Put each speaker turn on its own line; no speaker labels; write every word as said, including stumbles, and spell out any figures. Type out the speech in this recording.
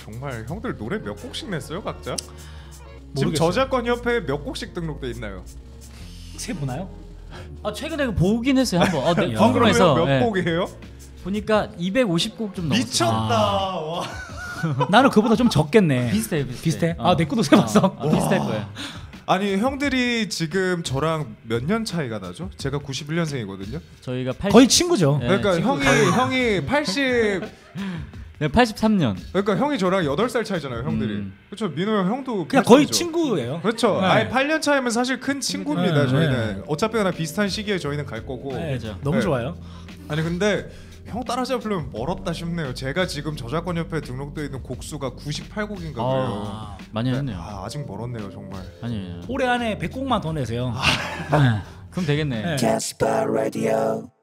정말 형들 노래 몇 곡씩 냈어요 각자?
모르겠어요.
지금 저작권 협회에 몇 곡씩 등록돼 있나요?
세 보나요?
아 최근에 그 보긴 했어요 한번. 어, 네,
야.
궁금해서
몇
예.
곡이에요?
보니까 이백오십 곡 좀 넘었어요.
미쳤다.
아.
와.
나는 그보다 좀 적겠네.
비슷해 비슷해.
비슷해?
어.
아, 내 것도 세봤어.
어, 어, 비슷할 거예요.
아니 형들이 지금 저랑 몇 년 차이가 나죠? 제가 구십일 년생이거든요.
저희가 팔십,
거의 친구죠.
네,
그러니까
친구
형이
거의.
형이 팔십
네, 팔십삼 년.
그러니까 형이 저랑 여덟 살 차이잖아요, 형들이.
음.
그렇죠. 민호 형 형도
그냥 거의
팔십이죠.
친구예요.
그렇죠.
네.
아예 팔 년 차이면 사실 큰 친구입니다.
네,
저희는
네.
어차피나 비슷한 시기에 저희는 갈 거고.
네,
그죠.
너무
네.
좋아요.
아니 근데 형 따라잡으려면 멀었다 싶네요. 제가 지금 저작권 협회에 등록되어 있는 곡수가 구십팔 곡인가 그래요.
아, 많이 했네요.
아, 아직 멀었네요, 정말.
아니에요.
올해 안에 백 곡만 더 내세요. 네.
그럼 되겠네.
네.
Casper Radio.